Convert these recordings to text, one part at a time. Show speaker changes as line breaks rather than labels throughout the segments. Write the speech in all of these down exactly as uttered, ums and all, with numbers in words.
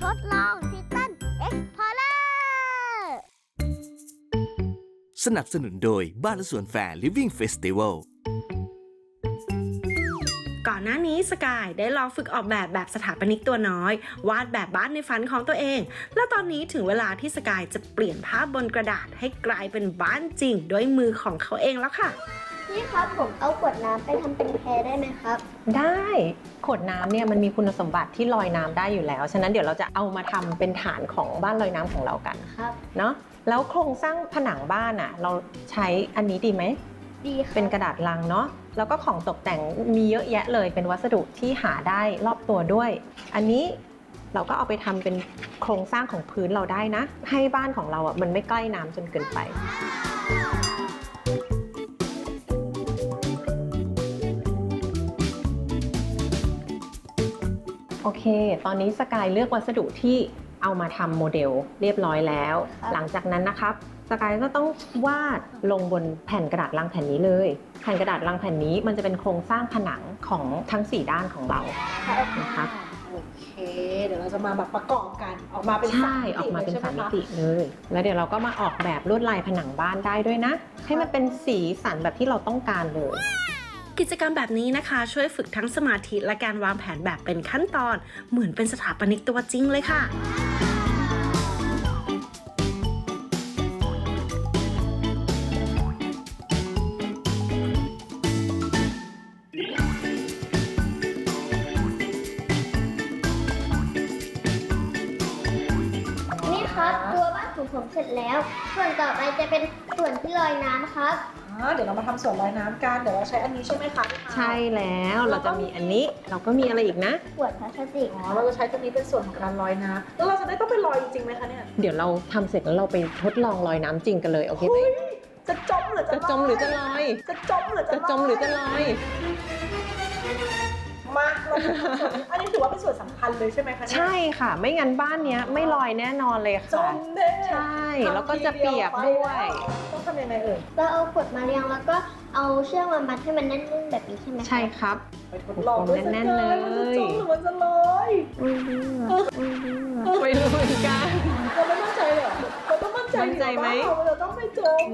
ทดลองทิตันเอ็กพอร์เลอร์
สนับสนุนโดยบ้านและสวนแฟร์ Living Festival
ก่อนหน้านี้สกายได้ลองฝึกออกแบบแบบสถาปนิกตัวน้อย วาดแบบบ้านในฝันของตัวเอง และตอนนี้ถึงเวลาที่สกายจะเปลี่ยนภาพบนกระดาษให้กลายเป็นบ้านจริงด้วยมือของเขาเองแล้วค่ะ
พี่ครับผมเอาขวดน้ำไปทำเป็นแพได้ไหมครับ
ได้ขวดน้ำเนี่ยมันมีคุณสมบัติที่ลอยน้ำได้อยู่แล้วฉะนั้นเดี๋ยวเราจะเอามาทำเป็นฐานของบ้านลอยน้ำของเรากัน
ครับ
เนาะแล้วโครงสร้างผนังบ้านอ่ะเราใช้อันนี้ดีไหม
ดีค่ะ
เป็นกระดาษลังเนาะแล้วก็ของตกแต่งมีเยอะแยะเลยเป็นวัสดุที่หาได้รอบตัวด้วยอันนี้เราก็เอาไปทำเป็นโครงสร้างของพื้นเราได้นะให้บ้านของเราอ่ะมันไม่ใกล้น้ำจนเกินไปโอเคตอนนี้สกายเลือกวัสดุที่เอามาทำโมเดลเรียบร้อยแล้วหลังจากนั้นนะครับสกายก็ต้องวาดลงบนแผ่นกระดาษลังแผ่นนี้เลยแผ่นกระดาษลังแผ่นนี้มันจะเป็นโครงสร้างผนังของทั้งสี่ด้านของเรานะครับ
โอเคเดี๋ยวเราจะมาแบบประกอบกันออกมาเป็น
ใช่ออกมาเป็นสามมิติเลยแล้วเดี๋ยวเราก็มาออกแบบลวดลายผนังบ้านได้ด้วยนะให้มันเป็นสีสันแบบที่เราต้องการเลย
กิจกรรมแบบนี้นะคะช่วยฝึกทั้งสมาธิและการวางแผนแบบเป็นขั้นตอนเหมือนเป็นสถาปนิกตัวจริงเลยค่ะ
นี่ครับตัวบ้านของผมเสร็จแล้วส่วนต่อไปจะเป็นส่วนที่ลอยน้ำครับ
เดี๋ยวเรามาทำส่วนลอยน้ำกันเดี๋ยวเราใช้อันนี้ใช่ไหมคะ
ใช่แล้วเราจะมีอันนี้เราก็มีอะไรอีกนะ
ขวดพลาสติก
อ๋อเราจะใช้ตัวนี้เป็นส่วนของการลอยน้ำแล้วเราจะได้ต้องไปลอยจริงๆไหมคะเนี่ย
เดี๋ยวเราทำเสร็จแล้วเราไปทดลองลอยน้ำจริงกันเลยโอเคไหม
จะจมหรือจะ
จมหรือจะลอย
จะจมหรือ
จะจมหรือจะลอย
มาเราอันนี้ถือว่าเป็นส่วนสำคัญเลยใช่ไหมคะ
ใช่ค่ะไม่งั้นบ้านนี้ไม่ลอยแน่นอนเลยค่ะ
จมแน่
ใช่แล้วก็จะเปียกด้วย
ต้องทำยังไงเอ่ย
ก็เอาขวดมาเรียงแล้วก็เอาเชือกมามัดให้มันแน่นๆแบบนี้ใช่ไหม
ใช่ครับ
ไปทดลองแน่นๆเลยมันจะจมหรือมันจะลอย
ไม่รู้
ไม่รู้เหมือนกัน
เราไม่มั่นใจเหรอเราต้องมั่นใจ
มั่นใจไหม
เราต้องไม่จม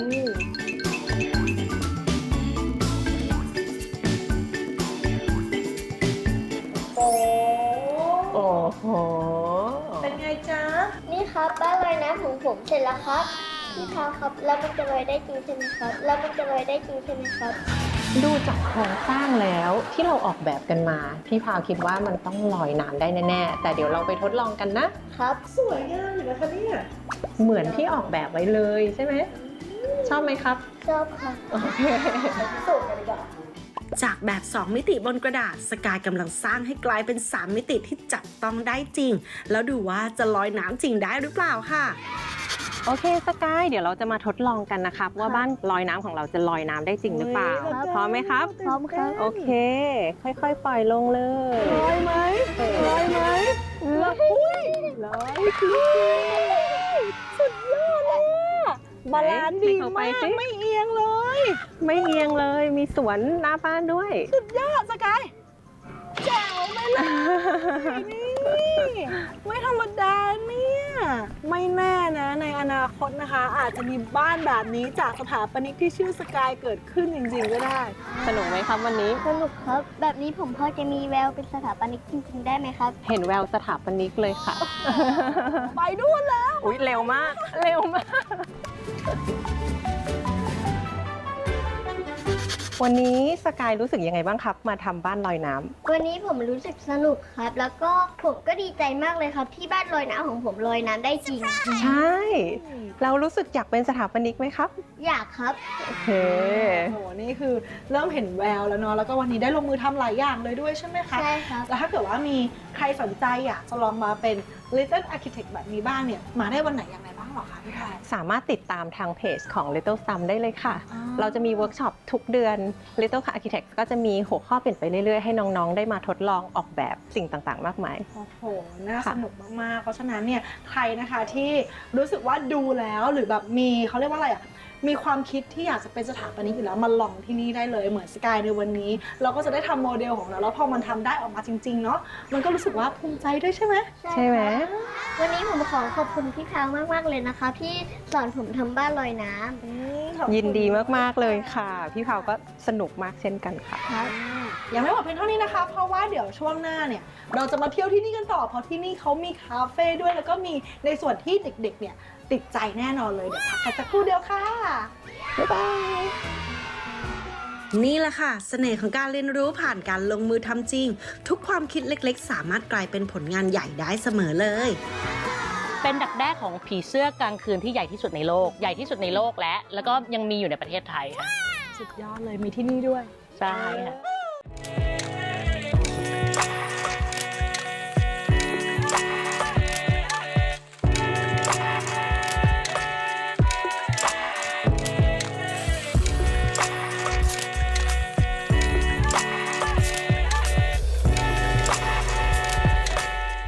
โอ้
โอ้โห
เป็นไงจ๊ะ
นี่ครับบ้านลอยน้ำของผมเสร็จแล้วครับพี่พาวครับแล้วมันจะลอยได้จริงใช่ไหมครับแล้วมันจะลอยได้จริงใช่ไหมครับ
ดูจากโครงสร้างแล้วที่เราออกแบบกันมาพี่พาวคิดว่ามันต้องลอยน้ำได้แน่ๆแต่เดี๋ยวเราไปทดลองกันนะครับ
สวยงามอยู่นะคะเนี่ย
เหมือนที่ออกแบบไว้เลยใช่ไหมชอบไหมครับ
ชอบค่ะ
โอเค
สูตรกันดีกว่า
จากแบบสองมิติบนกระดาษสกายกำลังสร้างให้กลายเป็นสามมิติที่จับต้องได้จริงแล้วดูว่าจะลอยน้ำจริงได้หรือเปล่าค่ะ
โอเคสกายเดี๋ยวเราจะมาทดลองกันนะครับว่าบ้านลอยน้ำของเราจะลอยน้ำได้จริงหรือเปล่าพร้อมไหมครับ
พร้อมครับ
โอเคค่อยๆปล่อยลงเลย
ลอยไหมลอยไหมลอยลอยสุดยอดเลยบาลานซ์ดีมากไม่เอียงเลย
ไม่เอียงเลยมีสวนหน้าบ้านด้วย
สุดยอดสกายแจ๋วไปเลยนี่ไม่ธรรมดาเนี่ยไม่แน่นะในอนาคตนะคะอาจจะมีบ้านแบบนี้จากสถาปนิกที่ชื่อสกายเกิดขึ้นจริงๆก็ได้
สนุกไหมครับวันนี้
สนุกครับแบบนี้ผมพอจะมีแววเป็นสถาปนิกจริงๆได้ไหมครับ
เห็นแววสถาปนิกเลยค่ะ
ไปนู่นแล้ว
อุ๊ยเร็วมากเร็วมากวันนี้สกายรู้สึกยังไงบ้างครับมาทำบ้านลอยน้ำ
วันนี้ผมรู้สึกสนุกครับแล้วก็ผมก็ดีใจมากเลยครับที่บ้านลอยน้ำของผมลอยน้ำได้จริง
ใช่เรารู้สึกอยากเป็นสถาปนิกไหมครับ
อยากครับ
โอเค
โอ้โหนี่คือเริ่มเห็นแววแล้วเนาะแล้วก็วันนี้ได้ลงมือทำหลายอย่างเลยด้วยใช่ไหมคะ
ใช่ครับ
แล้วถ้าเกิดว่ามีใครสนใจอยากจะลองมาเป็น Little Architect แบบนี้บ้างเนี่ยมาได้วันไหนยังไงบ้างหรอคะพี่ไทย
สามารถติดตามทางเพจของ Little Stum ได้เลยค่ะเราจะมีเวิร์กช็อปทุกเดือน Little Architect ก็จะมีหัวข้อเปลี่ยนไปเรื่อยๆให้น้องๆได้มาทดลองออกแบบสิ่งต่างๆมากมาย
โอ้โหน่าสนุกมากๆเพราะฉะนั้นเนี่ยใครนะคะที่รู้สึกว่าดูแล้วหรือแบบมีเขาเรียกว่าอะไรอ่ะมีความคิดที่อยากจะเป็นสถาปนิกอยู่แล้วมาลองที่นี่ได้เลยเหมือนสกายในวันนี้ เราก็จะได้ทำโมเดลของเราแล้วพอมันทำได้ออกมาจริงๆเนาะมันก็รู้สึกว่าภูมิใจด้วยใช่ไหม
ใช่ไหม
วันนี้ผมขอขอบคุณพี่ช้างมากๆเลยนะคะที่สอนผมทำบ้านลอยน้ำ
อืมขอบคุณ
ยินดีมากๆเลยค่ะ พี่เผาก็สนุกมากเช่นกันค่ะ
ครับ
ยังไม่หมดเพียงเท่านี้นะคะ เพราะว่าเดี๋ยวช่วงหน้าเนี่ยเราจะมาเที่ยวที่นี่กันต่อเพราะที่นี่เขามีคาเฟ่ด้วยแล้วก็มีในส่วนที่เด็กๆเนี่ยติดใจแน่นอนเลยเดี๋ยวพักกันสักครู่เดียวค่ะ บ๊ายบาย
นี่แหละค่ะ เสน่ห์ของการเรียนรู้ผ่านการลงมือทำจริง ทุกความคิดเล็กๆ สามารถกลายเป็นผลงานใหญ่ได้เสมอเลย
เป็นดักแด้ของผีเสื้อกลางคืนที่ใหญ่ที่สุดในโลก ใหญ่ที่สุดในโลกและ แล้วก็ยังมีอยู่ในประเทศไทยค่ะ
สุดยอดเลยมีที่นี่ด้วย
ใช่ค่ะ